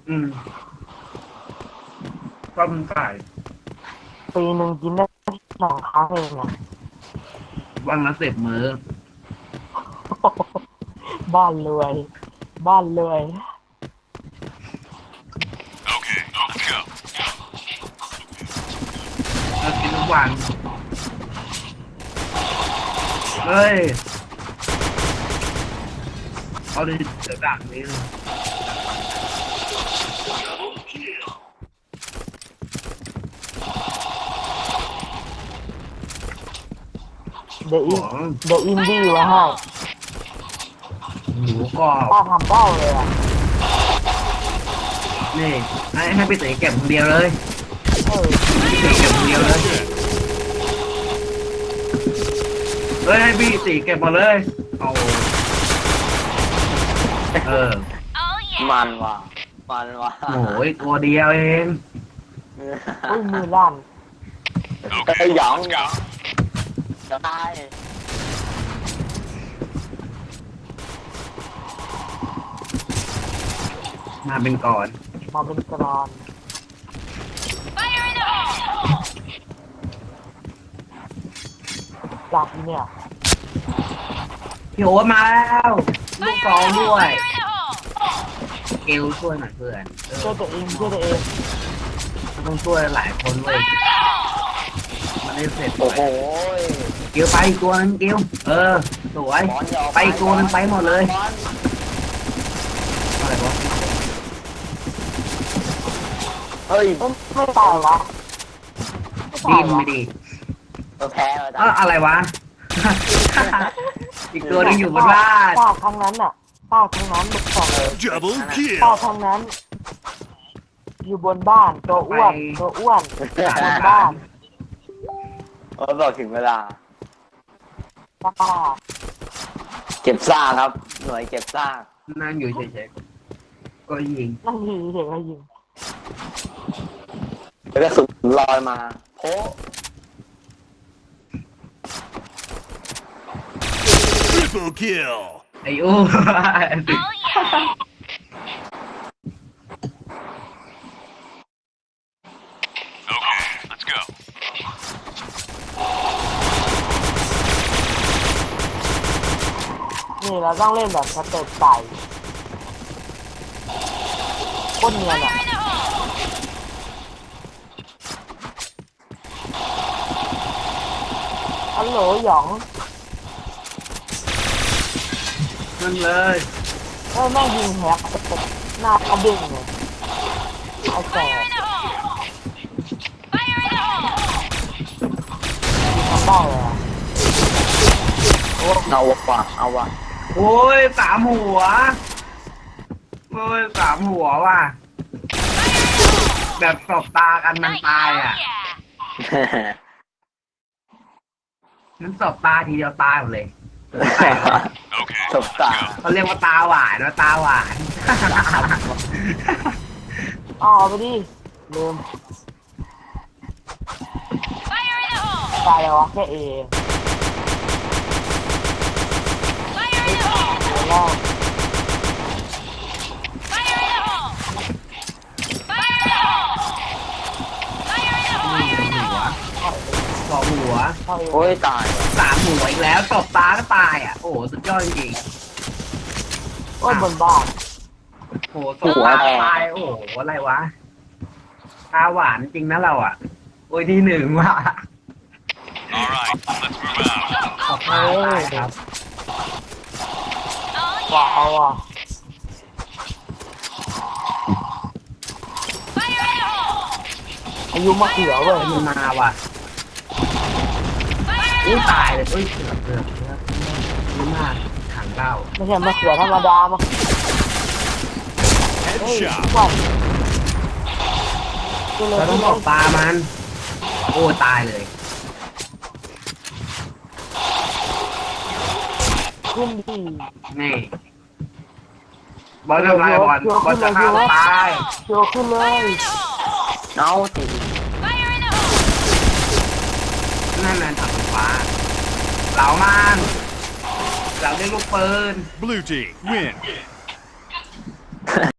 อืมก็มันไก่ปีหนึ่งกินได้2 ครั้งเองอะวันละ10 มื้อบ้านรวยบ้านรวยเรากินทุกวันเฮ้ยเอาดิเจะดักนี้เลยเดี๋ยวอิขนองเดี๋ยวอินดี้ไว้ให้หมูกรอบป้าทำเบ้าเลยอ่ะนี่ให้พี่ตีเก็บคนเดียวเลยเออพี่ตีเก็บคนเดียวเลยเฮ้ยให้พี่ตีเก็บมาเลยเอาเออมันว่ะมันว่ะโอ้ยตัวเดียวเองอุ้ยมือลั่นไอ้หยองหยองจะตายมาเป็นก่อนมาเป็นกรอนจับเนี่ยพี่โอ๊ตมาแล้วลูกสองด้วยเกลช่วยหน่อยเพื่อนช่วยตัวเองช่วยตัวเองต้องช่วยหลายคนเว้ยมันได้เสร็จโอ้โหเกลไปอีกตัวนึงเกลสวยบอลยาวไปอีกตัวนึงไปหมดเลยบอลอะไรวะเฮ้ยไม่ตายวะไม่ดิ้ตาน ยวะไม่ดีเราแพ้แล้วจ้ะอะไรวะ อีกตัวนึงอยู่บนบ้านป้าทั้งนั้นอ่ะป้าทั้งนั้นบุกสองเลย Double ป้า kill. ทั้งนั้น อยู่บนบ้านตัวอ้วนตัวอ้วนบนบ้านบอกถึงเวลาป้าเก็บซากครับ หน่วยเก็บซากนั่งอยู่เฉยๆก็ยิงนั่งยิงเฉยๆยิงแล้วก็สุดลอยมาโพ Triple kill. ไอ้โอ้นี่เราต้องเล่นแบบสเต็ปไก่โคตรเนียนอ่ะฮัลโหลหยองนั่นเลยแม่งยิงแฮกสเต็ปหน้าเขาเด้งเลยไอ้แก่ยิงทำได้เลยอ่ะโอ้เอาว่ะเอาว่ะโอ้ย3 หัวโอ้ย3 หัวว่ะแบบสบตากันมันตายอ่ะมันสบตาทีเดียวตายหมดเลยสบตาเขาเรียกว่าตาหวานว่าตาหวานเอาไปดิลืมตายแล้ววะแค่เอแล้วหัวเข้าเอโอ้ยตาย 3 หัวอีกแล้วตบตาก็ตายอ่ะโอ้โหสุดยอดจริงโอ้ยบนบ้านๆโอ้โหตบตาก็ตายโอ้โหอะไรวะตาหวานจริงนะเราอ่ะโอ้ยที่ 1ว่ะ All right, let's move out. ตบตาตายครับว้าวอ่ะ อายุมะเขือเว้ยมันมาว่ะอุ้ยตายเลยอุ้ยเกือบนี่มากถังเหล้าไม่ใช่มะเขือธรรมดามะเฮ้ย Headshot. วันกูเลยเราต้องตบตามัน โอ้ตายเลยขึ้นดีนี่บอลทำไรบอลบอลจะฆ่าตัวตายโยขึ้นเลยเอาสินั่นนั่นถังฟ้าเหลามันเหลาด้วยลูกปืน Blue team win.